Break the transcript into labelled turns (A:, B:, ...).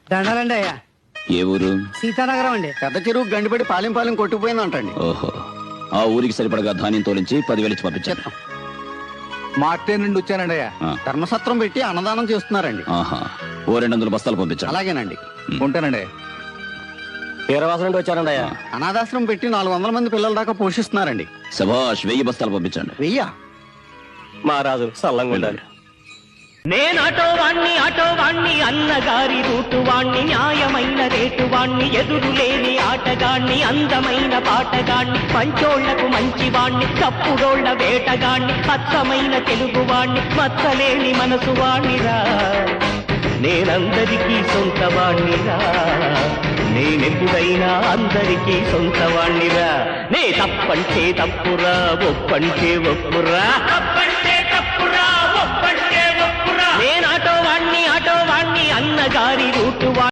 A: దండాలండి అయ్యా.
B: ఏ ఊరు?
A: సీతానగరం అండి.
C: పెద్ద చెరువు గండిపడి పాలెం కొట్టుకుపోయిందంటండి.
B: ఓహో, ఆ ఊరికి సరిపడగా ధాన్యం తోలించి 10,000 ఇచ్చి పంపించాను.
D: మార్టే నుండి వచ్చానండి అయ్యా.
C: ధర్మసత్రం పెట్టి అన్నదానం చేస్తున్నారండి.
B: ఆహా, ఓ 200 బస్తాలు పంపించాను.
C: అలాగేనండి.
D: ఉంటానండి.
E: వీరవాసం నుండి వచ్చానండి అయ్యా.
C: అనాథాశ్రమం పెట్టి 400 మంది పిల్లల దాకా పోషిస్తున్నారండి.
B: శభాష్, 1000 బస్తాలు పంపించండి.
C: వెయ్యా?
E: మహారాజు సల్లంగా ఉండాలి.
F: నేను ఆటో వాణ్ణి అన్నగారి రూటు వాణ్ణి, న్యాయమైన రేటు వాణ్ణి, ఎదురు లేని ఆటగాణ్ణి, అందమైన పాటగాణ్ణి, మంచోళ్లకు మంచివాణ్ణి, తప్పుడోళ్ల వేటగాణ్ణి, అచ్చమైన తెలుగు వాణ్ణి, మచ్చలేని మనసు వాణ్ణిరా. నేనందరికీ సొంత వాణ్ణిరా, నేనెప్పుడైనా అందరికీ సొంత వాణ్ణిరా. నే తప్పంటే తప్పురా, ఒప్పంటే ఒప్పురా. నేను ఆటో వాణ్ణి అన్నగారి రూటు వాణ్ణి.